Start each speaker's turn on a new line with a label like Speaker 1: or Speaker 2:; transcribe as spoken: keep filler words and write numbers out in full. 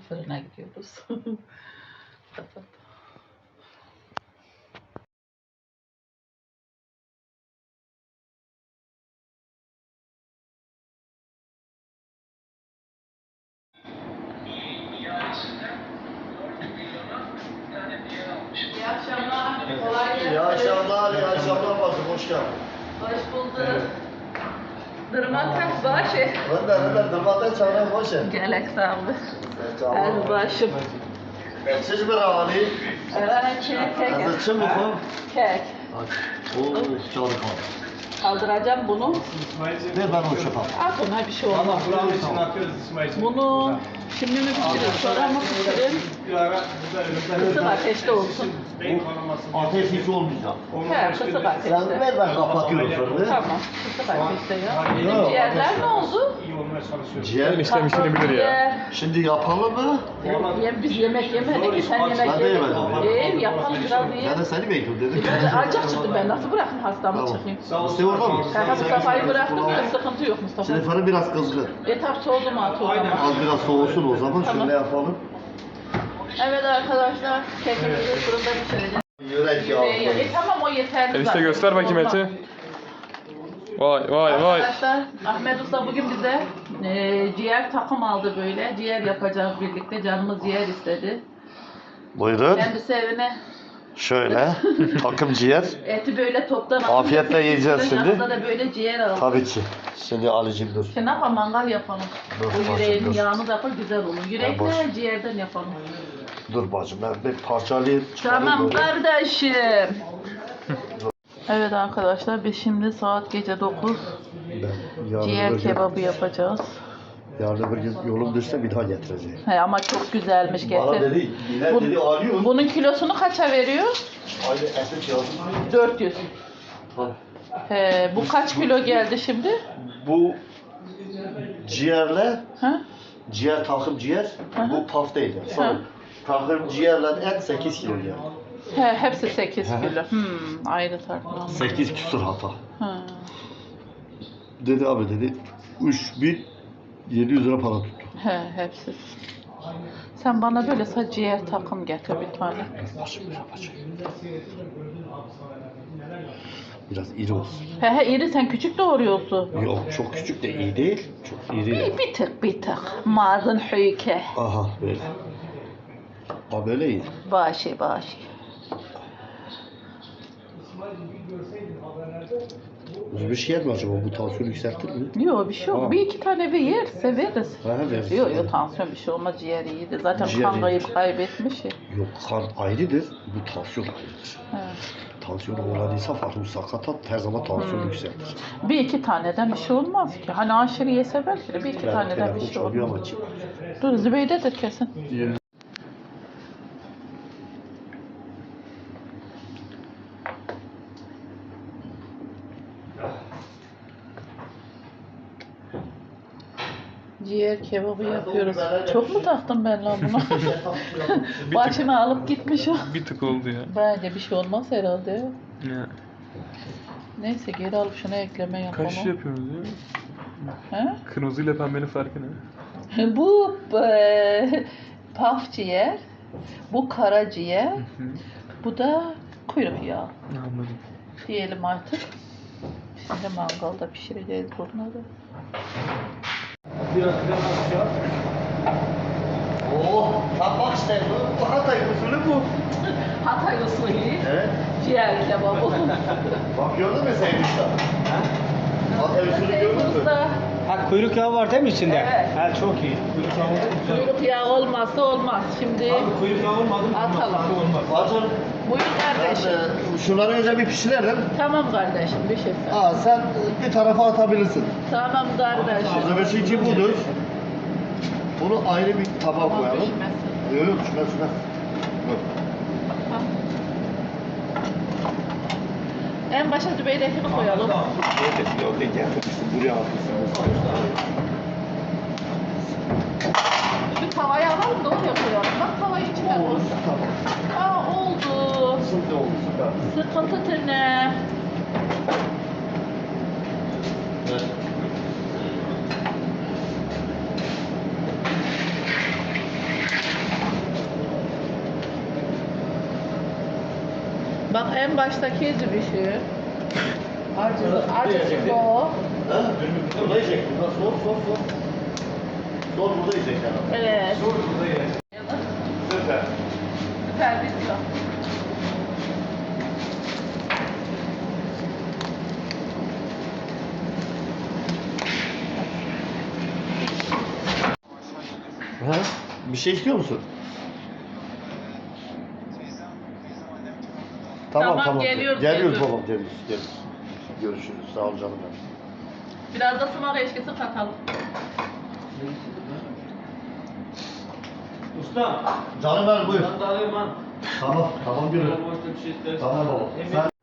Speaker 1: fırına gidiyoruz. Kapat. İyi akşamlar. Kolay gelsin.
Speaker 2: İyi akşamlar, iyi akşamlar bacım, hoş geldin.
Speaker 1: Hoş bulduk. Dırmak başı.
Speaker 2: Önder, önder, dırmaktan çağırayım, hoş geldin.
Speaker 1: Gelek sağ olun. El başım.
Speaker 2: Siz bir hali.
Speaker 1: Evet, kek, kek.
Speaker 2: Hazırçı mı bu?
Speaker 1: Kek.
Speaker 2: Oo, çalı kaldı.
Speaker 1: Kaldıracağım bunu.
Speaker 2: Ver ben o şefam.
Speaker 1: Al buna bir şey olmaz. Bunu şimdi mi pişirin, sonra mı pişirin? Kısık ateşte olsun.
Speaker 2: Ateş hiç olmayacak.
Speaker 1: He, kısık
Speaker 2: Sen
Speaker 1: ateşte.
Speaker 2: ver ben kapatıyorum fırını.
Speaker 1: Tamam, kısık ateşte ya. Bizim ciğerler ne oldu?
Speaker 2: Ciğer
Speaker 3: Eniştem işini bilir ya.
Speaker 2: Şimdi yapalım mı?
Speaker 1: Yem, biz yemek yemedik ki sen yemek
Speaker 2: Ben de
Speaker 1: yemedin.
Speaker 2: yemedim.
Speaker 1: Ee, yapalım biraz
Speaker 2: Ben
Speaker 1: yiyelim.
Speaker 2: de seni bekliyorum dedim.
Speaker 1: Biraz acık çıktım ben, nasıl bırakayım hastamı çıkayım?
Speaker 2: İşte orada mı?
Speaker 1: Kanka Mustafa'yı bıraktım da sıkıntı yok Mustafa.
Speaker 2: Şimdi fırın biraz kızgın.
Speaker 1: E tabi soğudu mu at o zaman.
Speaker 2: Az biraz soğusun o zaman,
Speaker 1: Tamam.
Speaker 2: şöyle yapalım.
Speaker 1: Evet arkadaşlar, kekimizi fırında pişireceğiz.
Speaker 2: Yürek
Speaker 1: Yüreği-
Speaker 2: yağı.
Speaker 1: E tamam o yeterli
Speaker 3: Enişte
Speaker 1: zaten.
Speaker 3: göster bakayım
Speaker 1: Olmaz.
Speaker 3: eti. Vay vay vay.
Speaker 1: Arkadaşlar Ahmet Usta bugün bize e, ciğer takım aldı böyle. Ciğer yapacağız birlikte. Canımız ciğer istedi.
Speaker 2: Buyurun.
Speaker 1: Kendisi evine
Speaker 2: Şöyle, takım ciğer.
Speaker 1: eti böyle toptan aldı.
Speaker 2: Afiyetle yiyeceğiz şimdi.
Speaker 1: Yanında da böyle ciğer aldı.
Speaker 2: Tabii ki. Şimdi Ali'cim dur.
Speaker 1: Şimdi ne yapalım, mangal yapalım.
Speaker 2: Dur,
Speaker 1: Bu
Speaker 2: bacım,
Speaker 1: yüreğin
Speaker 2: dur.
Speaker 1: yağını da yapalım, güzel olur.
Speaker 2: boş.
Speaker 1: Yürekle ciğerden yapalım.
Speaker 2: Dur bacım, ben bir parçalayayım. çıkarayım
Speaker 1: Tamam
Speaker 2: böyle.
Speaker 1: kardeşim. Evet arkadaşlar biz şimdi saat gece dokuz
Speaker 2: Ben yarın
Speaker 1: ciğer
Speaker 2: bir gün-
Speaker 1: kebabı yapacağız.
Speaker 2: Yarın bir gün yolum düşse bir daha getireceğim.
Speaker 1: He, ama çok güzelmiş
Speaker 2: Bana
Speaker 1: getir.
Speaker 2: dedi, Bilal
Speaker 1: Bu-
Speaker 2: dedi alıyor.
Speaker 1: Bunun kilosunu kaça veriyor?
Speaker 2: Aynı etek yazdım.
Speaker 1: dört yüz.
Speaker 2: Ha.
Speaker 1: He, bu kaç kilo geldi şimdi?
Speaker 2: Bu ciğerle,
Speaker 1: Ha?
Speaker 2: ciğer takım ciğer,
Speaker 1: Hı hı.
Speaker 2: bu paf değil. Sonra takım ciğerle et sekiz kilo geldi.
Speaker 1: He, hepsi sekiz
Speaker 2: Hı hı.
Speaker 1: kilo. Hmm, ayrı tartma.
Speaker 2: sekiz küsur hata.
Speaker 1: Ha.
Speaker 2: Dedi abi dedi, üç bin yedi yüz lira para tuttu.
Speaker 1: He, hepsi. Sen bana böyle sadece ciğer takım getir bir tane.
Speaker 2: Başım yapacak. Biraz iri olsun.
Speaker 1: He he iri, sen küçük doğruyorsun.
Speaker 2: Yok çok küçük de iyi değil. Çok iri de.
Speaker 1: Bir, bir tık bir tık. Mazın hüyke.
Speaker 2: Aha böyle. Ha böyle iyi.
Speaker 1: Başı başı.
Speaker 2: Bir şey yer mi acaba? Bu tansiyonu yükseltir mi?
Speaker 1: Yok bir şey yok.
Speaker 2: Ha.
Speaker 1: Bir iki tane bir yerse veririz.
Speaker 2: Ha veririz.
Speaker 1: Yok yok tansiyon bir şey olmaz, ciğer iyiydi. Zaten
Speaker 2: Ciğer
Speaker 1: kan
Speaker 2: iyidir.
Speaker 1: kayıp kaybetmiş ya.
Speaker 2: Yok kan ayrıdır. Bu tansiyon ayrıdır.
Speaker 1: He.
Speaker 2: Tansiyonu olan insan farklı sakatat her zaman tansiyonu yükseltir.
Speaker 1: Bir iki taneden bir şey olmaz ki. Hani aşırı yese belki de bir iki
Speaker 2: Ben
Speaker 1: taneden bir
Speaker 2: telefon
Speaker 1: şey
Speaker 2: çalıyor
Speaker 1: olmaz.
Speaker 2: ama çık.
Speaker 1: Dur Zübeyde'dir kesin. Ciğer kebabı yapıyoruz. Çok mu taktım ben lan buna? Başını alıp gitmiş o.
Speaker 3: Bir tık oldu ya.
Speaker 1: Bence bir şey olmaz herhalde.
Speaker 3: Ya.
Speaker 1: Neyse geri alıp şuna ekleme yapalım.
Speaker 3: Kaç şey yapıyorsunuz ya?
Speaker 1: He?
Speaker 3: Kırmızı ile pembenin farkı ne?
Speaker 1: Bu e, paf ciğer, bu kara ciğer,
Speaker 3: Hı.
Speaker 1: bu da kuyruk yağı
Speaker 3: Anladım.
Speaker 1: diyelim artık. Şimdi mangalda pişireceğiz bunları.
Speaker 2: Oh, tam bak işte bu, bu Hatay usulü bu.
Speaker 1: Hatay usulü
Speaker 2: Evet.
Speaker 1: ciğer kebabı.
Speaker 2: Bak gördün mü sen işte? Hatay usulü gördün mü?
Speaker 1: Usta,
Speaker 4: Ha kuyruk yağı var değil mi içinde?
Speaker 1: Evet.
Speaker 4: Ha çok iyi. Kuyruk yağı oldu mu? Güzel.
Speaker 1: kuyruk yağı olmazsa olmaz. Şimdi
Speaker 4: Abi kuyruk yağı olmadı mı?
Speaker 1: Atalım.
Speaker 4: Tatlı olmaz.
Speaker 2: Bacım,
Speaker 1: buyur
Speaker 2: ben
Speaker 1: kardeşim.
Speaker 2: e, şunları önce bir pişirelim.
Speaker 1: Tamam kardeşim bir şey sen.
Speaker 2: Aa, sen bir tarafa atabilirsin.
Speaker 1: Tamam kardeşim.
Speaker 2: Malzemesi için budur. Bunu ayrı bir tabağa
Speaker 1: Tamam,
Speaker 2: koyalım.
Speaker 1: pişmesin.
Speaker 2: Yok yok, şuna şuna. Yok.
Speaker 1: En başa Zübeyde'kini koyalım.
Speaker 2: Yok yok, gel. Buraya atmışsın.
Speaker 1: Şu tavayı alalım da oraya koyalım. Bak tavayı içine koy.
Speaker 2: Oldu, tamam.
Speaker 1: Aa oldu.
Speaker 2: Şimdi oldu, süper.
Speaker 1: Sıkıntı ne?
Speaker 2: Evet.
Speaker 1: Bak en baştaki cibişi. Acı, acı o.
Speaker 2: Ha? Burada yiyecek. Burada sor sor sor. Sor burada yiyecek yani.
Speaker 1: Evet.
Speaker 4: Dur burada ye.
Speaker 2: Süper.
Speaker 1: Süper bitiyor.
Speaker 2: Ha? Bir şey istiyor musun? Tamam
Speaker 1: Tamam,
Speaker 2: tamam.
Speaker 1: geliyoruz,
Speaker 2: Geliyoruz
Speaker 1: geliyoruz.
Speaker 2: babam geliyoruz. geliyoruz. Görüşürüz. Sağ ol canım benim.
Speaker 1: Biraz da sıvak eşkisi katalım.
Speaker 4: Usta.
Speaker 2: Canım benim buyur.
Speaker 4: Ben de alayım lan.
Speaker 2: Tamam tamam gülüm.
Speaker 4: Boşta bir şey istersen.
Speaker 2: Tamam baba. Sen